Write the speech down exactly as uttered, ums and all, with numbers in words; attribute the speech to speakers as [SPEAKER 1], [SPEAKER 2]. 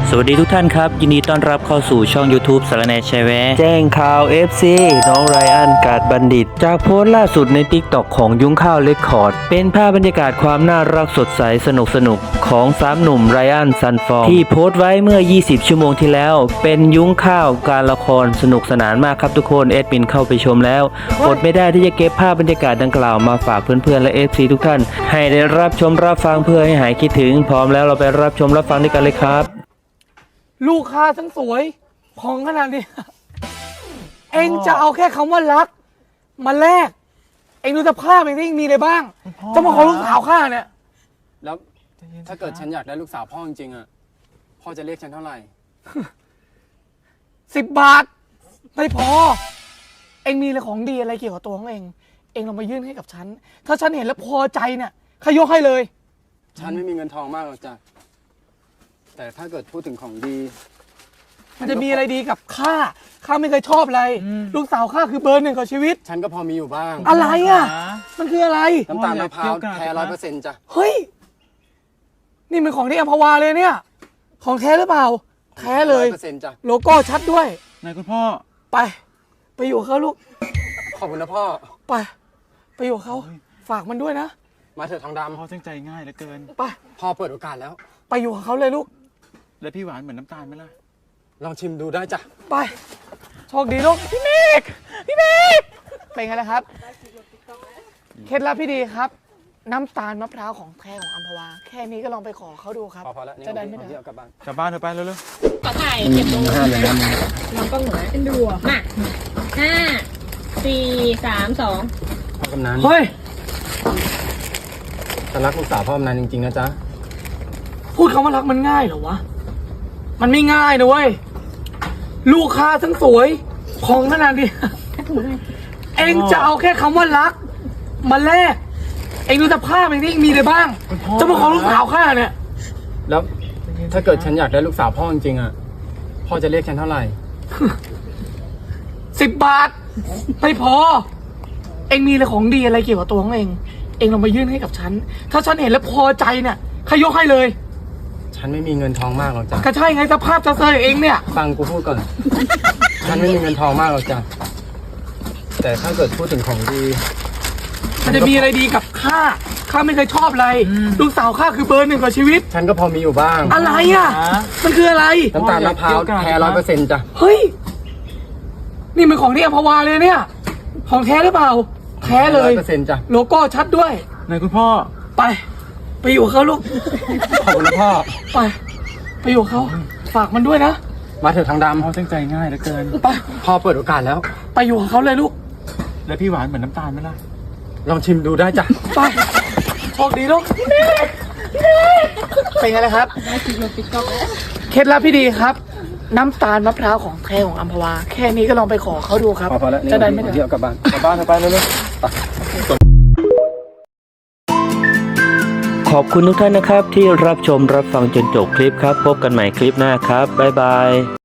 [SPEAKER 1] สวัสดีทุกท่านครับยินดีต้อนรับเข้าสู่ช่อง YouTube สารแหน่แชร์แวะแจ้งข่าว เอฟ ซี น้องไรอันกาดบัณฑิตจากโพสต์ล่าสุดใน ติ๊กต็อก ของยุ้งข้าวเรคคอร์ดเป็นภาพบรรยากาศความน่ารักสดใสสนุกสนุกของสามหนุ่มไรอันซันฟอร์ที่โพสต์ไว้เมื่อยี่สิบชั่วโมงที่แล้วเป็นยุ้งข้าวการละครสนุกสนานมากครับทุกคนเอดมินเข้าไปชมแล้วอดไม่ได้ที่จะเก็บภาพบรรยากาศดังกล่าวมาฝากเพื่อนๆและ เอฟ ซี ทุกท่านให้ได้รับชมรับฟังเพื่อให้หายคิดถึงพร้อมแล้วเราไปรับชมรับฟังด้วยกันเลยครับ
[SPEAKER 2] ลูกค้าทั้งสวยของขนาดนี้ เองจะเอาแค่คำว่ารักมาแลกเองดูสภาพเองที่มีอะไรบ้างจะมาขอลูกสาวข้าเนี่ย
[SPEAKER 3] แล้วถ้าเกิดฉันอยากได้ลูกสาวพ่อจริงๆอ่ะพ่อจะเรียกฉันเท่าไหร่
[SPEAKER 2] สิบบาทไม่พอเองมีอะไรของดีอะไรเกี่ยวกับตัวของเองเองลองมายื่นให้กับฉันถ้าฉันเห็นแล้วพอใจเนี่ยข้ายกให้เลย
[SPEAKER 3] ฉันไม่มีเงินทองมากหรอกจ้ะแต่ถ้าเกิดพูดถึงของดี
[SPEAKER 2] มันจะมีอะไรดีกับข้าข้าไม่เคยชอบอะไรลูกสาวข้าคือเบอร์หนึ่งของชีวิต
[SPEAKER 3] ฉันก็พอมีอยู่บ้าง
[SPEAKER 2] อะไรอ่ะมันคืออะไร
[SPEAKER 3] น้ำตาลมะพร้าวแท้ร้อยเปอร์เซ็นต์จ้ะ
[SPEAKER 2] เฮ้ยนี่มันของที่อัมพวาเลยเนี่ยของแท้หรือเปล่าแท้เลย
[SPEAKER 3] ร้อยเปอร์เซ็นต์จ้ะ
[SPEAKER 2] โลโก้ชัดด้วย
[SPEAKER 4] นายคุณพ่อ
[SPEAKER 2] ไปไปอยู่เขาลูก
[SPEAKER 3] ขอบคุณนะพ่อ
[SPEAKER 2] ไปไปอยู่เขาฝากมันด้วยนะ
[SPEAKER 3] มาเถอะทองดำ
[SPEAKER 4] พ่อตั้งใจง่ายเหลือเกิน
[SPEAKER 2] ไป
[SPEAKER 3] พ่อเปิดโอกาสแล้ว
[SPEAKER 2] ไปอยู่กับเขาเลยลูก
[SPEAKER 4] แล้วพี่หวานเหมือนน้ำตาลไหมล่ะ
[SPEAKER 3] ลองชิมดูได้จ้ะ
[SPEAKER 2] ไปโชคดีลูกพี่เมฆพี่เมฆเป็นไงล่ะครับเคล็ดลับพี่ดีครับน้ำตาลมะพร้าวของแท้ของอัมพวาแค่นี้ก็ลองไปขอเขาดูครับ
[SPEAKER 3] พอแล้ว
[SPEAKER 2] จะได้ไม่
[SPEAKER 3] เดี๋ยวกลับบ้าน
[SPEAKER 4] กลับบ้านเถอะไปเร็ว
[SPEAKER 5] ๆขอถ่ายเก็บตรงนี้น้องก็เหมือนเป็นดูอ่ะมาห้าสี่สามสอง
[SPEAKER 3] พ่อกำนัน
[SPEAKER 2] เฮ้ย
[SPEAKER 3] ฉันรักลูกสาวพ่อกำนันจริงๆนะจ๊ะ
[SPEAKER 2] พูดคำว่ารักมันง่ายเหรอวะมันไม่ง่ายนะเว้ยลูกค้าทั้งสวยของขนาดนี้เองจะเอาแค่คำว่ารักมาแลกเองดูสภาพเองที่มีอะไรบ้างจะมาขอลูกสาวข้าเนี่ย
[SPEAKER 3] แล้วถ้าเกิดฉันอยากได้ลูกสาวพ่อจริงๆอ่ะพ่อจะเรียกฉันเท่าไหร่
[SPEAKER 2] สิบบาทไม่พอเองมีอะไรของดีอะไรเกี่ยวกับตัวของเองเองลองมายื่นให้กับฉันถ้าฉันเห็นแล้วพอใจเนี่ยข้ายกให้เลย
[SPEAKER 3] ฉันไม่มีเงินทองมากหรอกจ้ะ
[SPEAKER 2] ก็ใช่ไงสภาพจะเซยเองเนี่ย
[SPEAKER 3] ฟังกูพูดก่อนฉันไม่มีเงินทองมากหรอกจ้ะแต่ถ้าเกิดพูดถึงของดี
[SPEAKER 2] มันจะมีอะไรดีกับข้าข้าไม่เคยชอบอะไรลูกสาวข้าคือเบอร์หนึ่งของชีวิต
[SPEAKER 3] ฉันก็พอมีอยู่บ้าง
[SPEAKER 2] อะไรอ่ะมันคืออะไร
[SPEAKER 3] น้ำตาลมะพร้าวแท้ร้อยเปอร์เซ็นต์จ้ะ
[SPEAKER 2] เฮ้ยนี่มันของที่อัมพวาเลยเนี่ยของแท้หรือเปล่าแท้เลยร้อย
[SPEAKER 3] เปอร์เซ็นต์จ้ะ
[SPEAKER 2] โลโก้ชัดด้วย
[SPEAKER 4] นายคุณพ่อ
[SPEAKER 2] ไปไปอยู่กับเขาลูก
[SPEAKER 3] ขอบคุณนะพ่อ
[SPEAKER 2] ไปไปอยู่กับเขาฝากมันด้วยนะ
[SPEAKER 3] มาเถอะทางดำ
[SPEAKER 4] พ่อตั้งใจง่ายเหลือเกิน
[SPEAKER 2] ไป
[SPEAKER 3] พ่อเปิดโอกาสแล้ว
[SPEAKER 2] ไปอยู่กับเขาเลยลูก
[SPEAKER 4] แล้วพี่หวานเหมือนน้ำตาลไหมล่ะ
[SPEAKER 3] ลองชิมดูได้จ้ะ
[SPEAKER 2] ไปโชคดีลูกเป็นไงล่ะครับเคล็ดลับพี่ดีครับน้ำตาลมะพร้าวของแท้ของอัมพวาแค่นี้ก็ลองไปขอเขาดูครับ
[SPEAKER 3] จะได้ไม่เดี๋ยวกลับบ้านกลับบ้านเถอะไปเร็วๆ
[SPEAKER 1] ขอบคุณทุกท่านนะครับที่รับชมรับฟังจนจบคลิปครับพบกันใหม่คลิปหน้าครับบ๊ายบาย